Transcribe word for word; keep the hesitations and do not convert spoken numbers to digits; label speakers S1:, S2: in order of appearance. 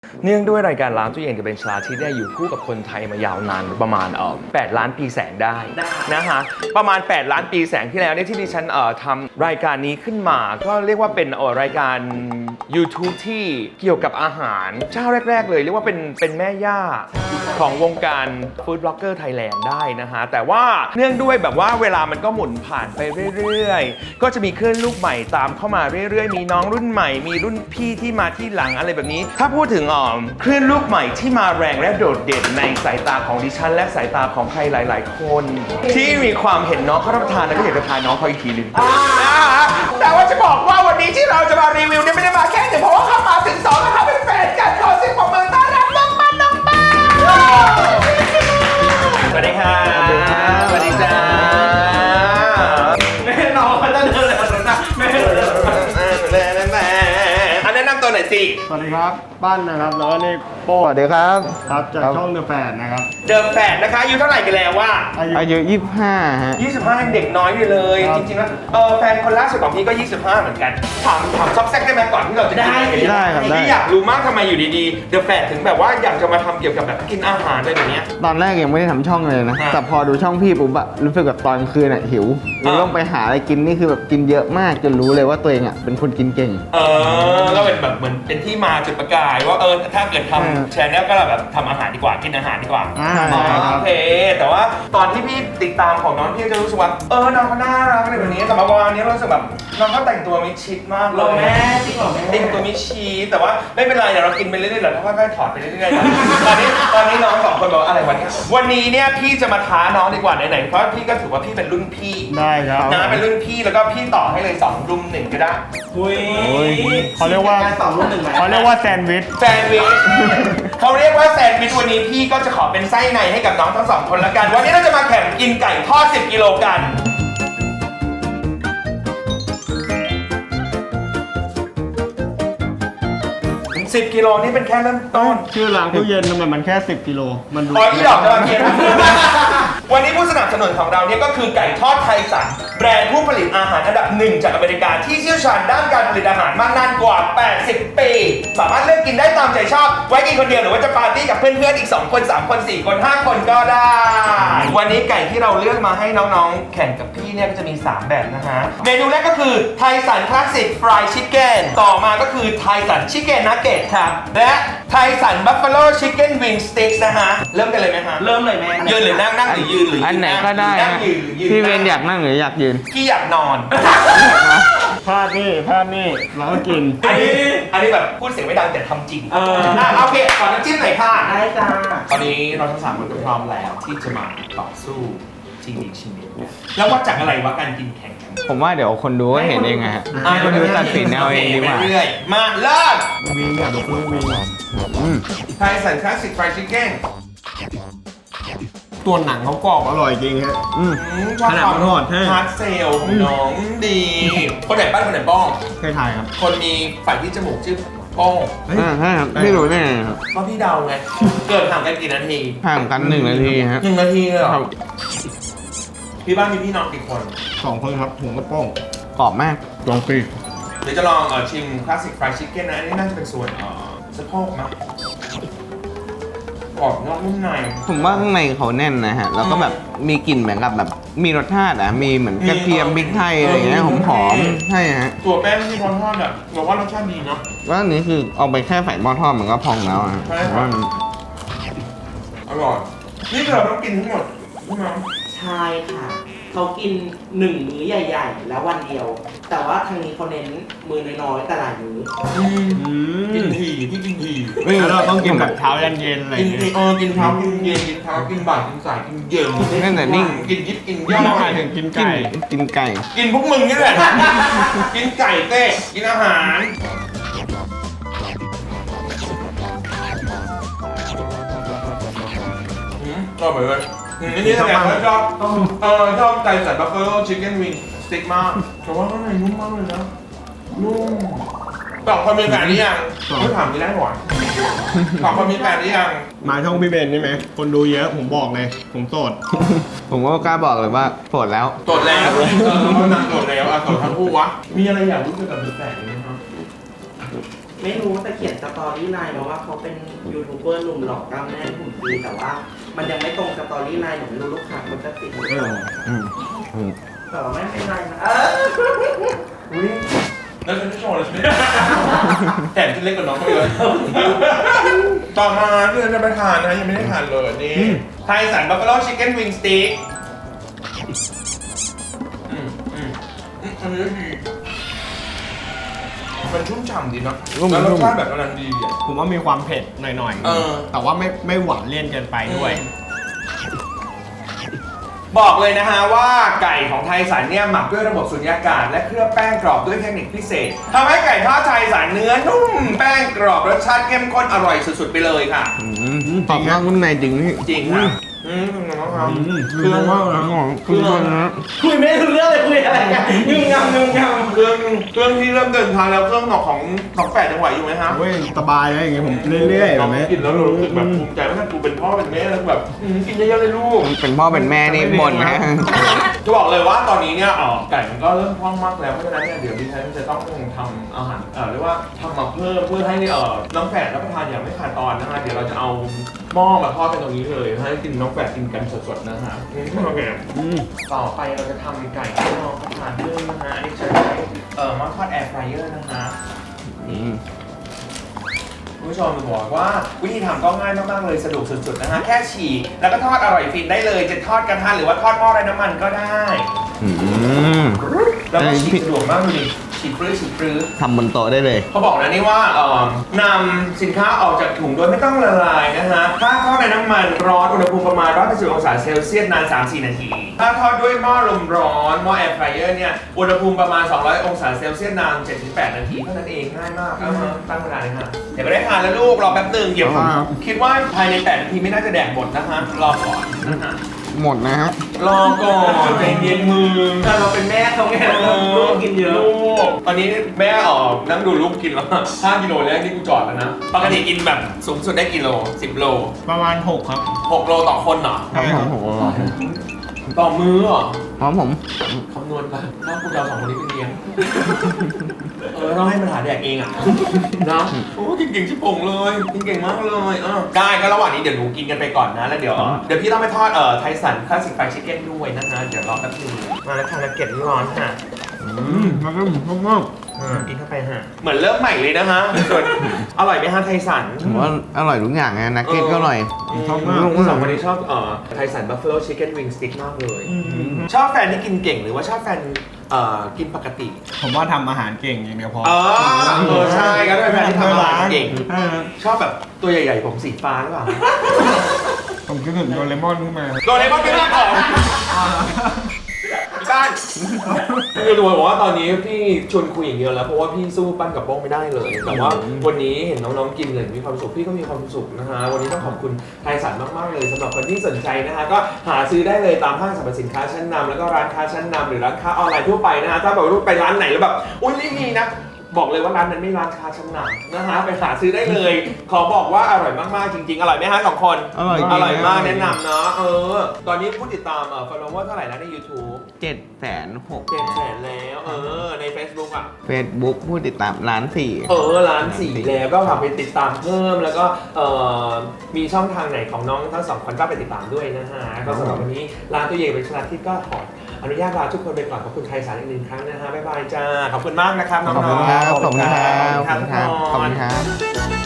S1: เนื่องด้วยรายการร้านตู้เย็นกับเบนชลาที่ได้อยู่คู่กับคนไทยมายาวนานประมาณเอ่อแปดล้านปีแสงได้นะฮะประมาณแปดล้านปีแสงที่แล้วเนี่ยที่ดิฉันเอ่อทำรายการนี้ขึ้นมาก็เรียกว่าเป็นเอ่อรายการ YouTube ที่เกี่ยวกับอาหารเจ้าแรกๆเลยเรียกว่าเป็นเป็นแม่ย่าของวงการฟู้ดบล็อกเกอร์ไทยแลนด์ได้นะฮะแต่ว่าเนื่องด้วยแบบว่าเวลามันก็หมุนผ่านไปเรื่อยๆก็จะมีคลื่นลูกใหม่ตามเข้ามาเรื่อยๆมีน้องรุ่นใหม่มีรุ่นพี่ที่มาที่หลังอะไรแบบนี้ถ้าพูดถึงอ๋อคลื่นลูกใหม่ที่มาแรงและโดดเด่นในสายตาของดิฉันและสายตาของใครหลายๆคนที่มีความเห็นน้องเขารับประทานแล้วก็อยากจะทานน้องเขาอีกทีหนึ่งแต่ว่าจะบอกว่าวันนี้ที่เราจะมารีวิวเนี่ยไม่ได้มาแค่หนึ่งเพราะว่าเขามาถึงสองแล้วเขาเป็นแฟนกันขอเสียงปรบมือต้อนรับน้องปั้นน้องปั้นสวัสดีค่ะสวัสดีจ้าแม่น้องเขาจะเดินเลยนะแม่อันแนะนำตัวหน่อยสิ
S2: สวัสดีครับปั้นนะครับแล้วก็นี่โป้สวัสดีครับครับจากช่องเดอะแฟนนะครับ
S1: เดอะแฟนนะคะอายุเท่าไหร่กันแล้วว่า
S2: อายุยี่สิบห้าฮะ
S1: ยี่สิบห้ายังเด็กน้อยอยู่เลยจริงๆแล้วเออแฟนคนล่าสุดของพี่ก็ยี่สิบห้าเหมือนกันถามถามซอกแซกได้ไหมก่อนที่เราจะได้
S2: ได้ครับได้
S1: พี่อยากรู้มากทำไมอยู่ดีๆเดอะแฟนถึงแบบว่าอยากจะมาทำเกี่ยวกับแบบกินอาหารอะไรแบบนี้
S2: ตอนแรกยังไม่ได้ทำช่องเลยนะแต่พอดูช่องพี่ปุ๊บอะรู้สึกแบบตอนคืนอะหิวเลยต้องไปหาอะไรกินนี่คือแบบกินเยอะมากจนรู้เลยว่าตัวเองอะเป็นคนกินเก่ง
S1: เออก็เป็นแบบเหมือนเป็นที่มาจุดประกายว่าเออถ้าเกิดทำแชร์แนลก็แบบทำอาหารดีกว่ากินอาหารดีกว่าโอเคแต่ว่าตอนที่พี่ติดตามของน้องพี่จะรู้สึกว่าเออน้องเขาน่ารักอะไรแบบนี้แต่มาวันนี้เรารู้สึกแบบน้องเขาแต่งตัวมิดชิดมากเลย
S3: แม่จริงเหรอแม่
S1: แต่งตัวมิดชิดแต่ว่าไม่เป็นไรเดี๋ยวเรากินไปเรื่อยๆแล้วค่อยๆถอดไปเรื่อยๆตอนนี้ตอนนี้น้องสองคนบอกอะไรวันนี้วันนี้เนี่ยพี่จะมาท้าน้องดีกว่าไหนๆเพราะพี่ก็ถือว่าพี่เป็นรุ่นพี่
S2: ได้ครับ
S1: นะเป็นรุ่นพี่แล้วก็พี่ต่อให้เลยสองรุ่มหนึ่งก็ได้
S3: อุ้ย
S2: เขาเรียกว่า
S3: สองรุ่มหนึ่ง
S2: เขาเรียกว่าแซนด์วิช
S1: แซนด์วิชเขาเรียกว่าแซนด์วิชวันนี้พี่ก็จะขอเป็นไส้ในให้กับน้องทั้งสองคนละกันวันนี้เราจะมาแข่งกินไก่ทอดสิบกิโลกันสิบกิโลนี่เป็นแค่เริ่มต้น
S2: ชื่อร้านตู้เย็นทำไมมันแค่สิบกิโลมันดู
S1: อ๋อที่ดอกจะมาเกียนวันนี้ผู้สนับสนุนของเราเนี่ยก็คือไก่ทอดไทยสันแบรนด์ผู้ผลิตอาหารอันดับหนึ่งจากอเมริกาที่เชี่ยวชาญด้านการผลิตอาหารมานานกว่าแปดสิบปีสามารถเลือกกินได้ตามใจชอบไว้กินคนเดียวหรือว่าจะปาร์ตี้กับเพื่อนๆอีกสองคนสามคนสี่คนห้าคนก็ได้วันนี้ไก่ที่เราเลือกมาให้น้องๆแข่งกับพี่เนี่ยก็จะมีสามแบบนะฮะเมนูแรกก็คือไทยสันคลาสสิกฟรายชิคเก้นต่อมาก็คือไทยสันชิคเก้นนักเก็ตครับและไทยสันบัฟฟาโลชิคเก้นวิงสติ๊กนะฮะเริ่มกันเลยไหมฮะ
S3: เริ่มเลยแม่
S1: ยืนหรือนั่งนั่งหรือยืนหรือ
S2: อันไหนก็ได้ฮะพี่เวนอยากนั่งหรืออยากยืน
S1: พี่อยากนอน
S2: พลาดนี่พลาดนี่เราก็กิน
S1: อันนี้อันนี้แบบพูดเสียงไม่ดังแต่ทำจริงเออโอเคขอน้ำจิ้มหน่อยค่ะ
S3: ได้จ้า
S1: ตอนนี้เราทั้งสามคนก็พร้อมแล้วที่จะมาต่อสู้ชิงดีชิงดีแล้วว่าจากอะไรวะการกินแข่งกัน
S2: ผมว่าเดี๋ยวคนดูก็เห็นเองฮะคนดูตัดสินเอาเองดีกว่า
S1: เรื่อยมาเริ่ม
S2: วิงอยากดูวิง
S1: ไทยสันคลาสสิกฟรายชิคเก้น
S2: ตัวหนังเขากรอบอร่อยจริงฮะขนาดมันทอด
S1: ฮาร์ดเซลของน้องดีคนไหนบ้านคนไหนบ้อง
S2: เคยทายครับ
S1: คนมีฝ่ายที่จมูกชื่อป้อง
S2: ใช่ครับไม่รู้แน่ครับ
S1: เพราะพี่เดาไงเกิดห่างกันกี่นาที
S2: ห่างกันหนึ่งนาทีฮะ
S1: หนึ่งนาทีเลยเหรอพี่บ้านมีพี่น้องกี่คน
S2: สองคนครับผมกับป้องกรอบมากลองปี
S1: เดี๋ยวจะลองชิมคลาสสิกฟรายชิคเก้นนะอันนี้น่าจะเป็นส่วนสะโพกมั้ยกรอบนอกนุ่มใน
S2: ผมว่าข้างในเขาแน่นนะฮะแล้วก็แบบมีกลิ่นเหมือนกับแบบมีรสชาติอ่ะมีเหมือนกระเทียมพริกไทยอะไรอย่างเงี้ยหอมๆใช่ฮะ
S1: ตัวแป้งที่ทอดทอดอ่ะบอกว่ารสชาติดีเนาะ
S2: ว่าอันนี้คือเอาไปแค่ใส่หม้อทอดมันก็พองแล้วอ่ะ
S1: ใช่ครับอร่อยนี่เราต้องกินทั้งหมดใช่ไหม
S3: ใช่ค่ะเขากินหนึ่งมื้อใหญ่ๆแล้ววันเดียวแต่ว่าทางนี้เขาเน้นมื้อน้อยๆแต่หลายมื้อ
S1: กินทีพี่กินที
S2: เราต้องกินแบบเช้ายันเย็นอะไร
S1: กินทีเออกินเช้ากินเย็นกินเช้ากินบ่ายกินสายกินเย็น
S2: นั่นแต่นิ่ง
S1: กินยิบกินย่อย
S2: หมายถึงกินไก่กินไก่
S1: กินพวกมึงนี่แหละกินไก่เต้กินอาหารชอบเลยอันนี้แสดงว่าชอบเออชอบไก่สันบัฟเฟอโล่ชิคเก้นวิงสติ๊กมากแต่ว่าข้างในนุ่มมากเลยนะนุ่มตอบคนมีแฟนหรือยังไม่ถามนี่ได้หรอตอบคนมีแฟนหรือยัง
S2: มาช่องพี่เบนใช่ไหมคนดูเยอะผมบอกเลยผมโสดผมก็กล้าบอกเลยว่าโสดแล้ว
S1: โสดแล้วเออเขานางโสดแล้วอ่ะโสดทั้งคู่วะมีอะไรอยากรู้เกี่ยวกับแฟนไหมครับ
S3: ไม่รู้แต่เขียนสตอรี่ไลน์มาว่าเขาเป็นยูทูบเบอร์หนุ่มหล่อกล้ามแน่นหุ่นดีแต่ว่ามันยังไม่ตรงสตอรี่ไลน์หนูไม่รู้ลูกค้ามันจะติดหรือเปล่า
S2: อืมอืม
S3: แต่ว่าไม่เป็นไรนะเออ
S1: อุ้ยแล้วฉันจะโชว์เลยใช่ไหมแถมจะเล็กกว่าน้องเขาเลยต่อมาที่ฉันจะไปทานนะยังไม่ได้ทานเลยนี่ไทยสันบัฟเฟลชิคเก้นวิงสติ๊กอืมอืมอืมอันนี้ดีมันชุ่มฉ่ำดีเนาะแล้วรสชาติแบบกำลังดีอ่ะ
S4: ผมว่ามีความเผ็ดหน่อย
S1: เออ
S4: ๆ แต่ว่าไม่ไม่หวานเลี่ยนเกินไปด้วย
S1: บอกเลยนะฮะว่าไก่ของไทยสันเนี่ยหมักด้วยระบบสุญญากาศและเคลือบแป้งกรอบด้วยเทคนิคพิเศษทำให้ไก่ทอดไทยสันเนื้อนุ่มแป้งกรอบรสชาติเข้มข้นอร่อยสุดๆไปเลยค่ะ
S2: อืมตอบนอกนุ่มในจริงพี่
S1: จริงค่ะอืมน้องครับ
S2: เครื่องว่าอะไรของเครื่องนะ
S3: คุยไม่รู้เรื่องเลยคุยอะไรกันงึมงำงึมงำ
S1: เครื่องเครื่องที่เริ่มเดินทางแล้วเครื่องหนอกของของแปดยังไหวอยู่ไหมฮะ
S4: เว้ยสบายนะอย่างเงี้ยผมเรื่อยๆแบบนี้
S1: กินแล้วเรารู้สึกแบบภูมิใจว่ากูเป็นพ่อเป็นแม่แล้วแบบอืมกินเยอะๆเลยลูก
S2: เป็นพ่อเป็นแม่นี่บ่นนะ
S1: จะบอกเลยว่าตอนนี้เนี่ยเอ่อไก่มันก็เริ่มคล่องมากแล้วเพราะฉะนั้นเนี่ยเดี๋ยวดิฉันจะต้องทำอาหารเอ่อเรียกว่าทำมาเพิ่มเพื่อให้เอ่อน้องแฝดรับประทานอย่างไม่ขาดตอนนะฮะเดี๋ยวเราจะเอาหม้อมาทอดกันตรงนี้เลยให้กินน้องแฝดกินกันสดๆนะฮะอืมโอเคต่อไปเราจะทำไก่ให้น้องรับประทานเพิ่มนะฮะอันนี้จะใช้เอ่อหม้อทอดแอร์ฟรายเออร์นะฮะ
S2: อืม
S1: คุณผู้ชมจะบอกว่าวิธีทำก็ง่ายมากๆเลยสะดวกสุดๆนะฮะแค่ฉีกแล้วก็ทอดอร่อยฟินได้เลยจะทอดกระทะหรือว่าทอดหม้อไร้น้ำมันก็ได้
S2: อืม
S1: แล้วก็ฉีกสะดวกมากเลยฉีกปลื้อฉีกปลื้อ
S2: ทำบนโต๊ะได้เลย
S1: เขาบอกนะนี่ว่าเอ่อนำสินค้าออกจากถุงโดยไม่ต้องละลายนะฮะถ้าทอดในน้ำมันร้อนอุณหภูมิประมาณหนึ่งร้อยแปดสิบองศาเซลเซียสนาน สามถึงสี่ นาที ถ้าทอดด้วยหม้อลมร้อนหม้อแอร์ฟรายเออร์เนี่ยอุณหภูมิประมาณสองร้อยองศาเซลเซียสนาน เจ็ดถึงแปด นาทีเท่านั้นเองง่ายมากเอามาตั้งเวลาเลยฮะเดี๋ยวไปได้ทานแล้วลูกรอแป๊บหนึงเดี๋ยวผม
S2: ครับ
S1: คิดว่าภายในแปดนาทีไม่น่าจะแดกหมดนะฮะรอก่อนนะฮะ
S2: หมดนะฮะ
S1: รอก่อนใจเย็นมือ
S3: แต่เราเป็นแม่เขาไงเราลูกกินเยอะ
S1: ลูกตอนนี้แม่ออกนั่งดูลูกกินแล้วห้ากิโลแรกที่กูจอดแล้วนะ ปกติกินแบบสูงสุดได้กิโลสิบโล
S4: ประมาณหกครับ
S1: หกโลต่อคนเหรอ
S2: ครับผมผม
S1: ต่อมือเหรอ
S2: พร้อมผม
S1: คำนวณไปถ้ากูจะเอาสองคนนี้ไปเลี้ยง เออต้องให้มันหาแดกเองอ่ะนะโอ้กินเก่งชิบผงเลยกินเก่งมากเลยเออได้ก็ระหว่างนี้เดี๋ยวหนูกินกันไปก่อนนะแล้วเดี๋ยวเดี๋ยวพี่ต้องไปทอดเอ่อไทสันคลาสสิกไฟชิคเก้นด้วยนะฮะเดี๋ยวรอแป๊บนึงมาแล้วค่ะนักเก็ตร้อนค่ะ
S4: อืมมันก็มากมาก
S1: อ่ากินเข้าไปฮะเหมือนเริ่มใหม่เลยนะฮะส่วนอร่อยไหมฮะไทสัน
S2: ผมว่าอร่อยทุกอย่างนะนักเก็ตก็อร่อย
S4: ชอบมาก
S1: ลูกสองคนนี้ชอบเอ่อไทสันบัฟเฟ l ชิคเก้นวิงสติ๊กมากเลย ชอบแฟนที่กินเก่งหรือว่าชอบแฟนเอ่อกินปกติ
S4: ผมว่าทำอาหารเก่งอย่างเดียวพอ
S1: อ๋อเออใช่ก็ได้แฟนที่ทำอาหารเก่ง
S4: ใช่ครับ
S1: ชอบแบบตัวใหญ่ๆผมสีฟ้าหรือเปล่า
S4: ผมคิดถึงโดเรมอนขึ้นมา
S1: โดเรมอนเป็นที่ของบ้านคือดูบอกว่าตอนนี้พี่ชวนคุยอย่างเดียวแล้วเพราะว่าพี่สู้ปั้นกับโป้งไม่ได้เลย แต่ว่าวันนี้เห็นน้องๆกินเลยมีความสุขพี่ก็มีความสุขนะฮะวันนี้ต้องขอบคุณไทยสันมากๆเลยสำหรับคนที่สนใจนะฮะก็หาซื้อได้เลยตามห้างสรรพสินค้าชั้นนำแล้วก็ร้านค้าชั้นนำหรือร้านค้าออนไลน์ทั่วไปนะฮะถ้าแบบว่าไปร้านไหนแล้วแบบอุ้ยไม่มีนะบอกเลยว่าร้านนั้นไม่ร้านค้าชั้นนำนะฮะไปหาซื้อได้เลย ขอบอกว่าอร่อยมากๆจริงๆอร่อยไหมฮะสองคน
S2: อร่อยจริง
S1: อร่อยมากแนะนำเนาะเออตอนนี้ผู้ติดตามเอ่อ follower เท่าไหร่แล้วใน YouTube
S2: เจ็ดแสนหก
S1: เจ็ดแสนแล้วเออใน Facebook อ่ะ
S2: เฟซบุ๊กผู้ติดตามล้านสี่
S1: เออล้านสี่แล้วก็ฝากไปติดตามเพิ่มแล้วก็เอ่อมีช่องทางไหนของน้องทั้งสองคนก็ไปติดตามด้วยนะฮะก็สำหรับวันนี้ร้านตัวเย่เป็นชนะที่ก็ขออนุญาตลาทุกคนไปก่อนขอบคุณไทยสารอีกหนึ่งครั้งนะฮะบ๊ายบายจ้าขอบคุณมากนะครับน้องๆ
S2: ขอบคุณครับขอบคุณครับ
S1: ขอบคุณครับ
S2: ขอบคุณครับ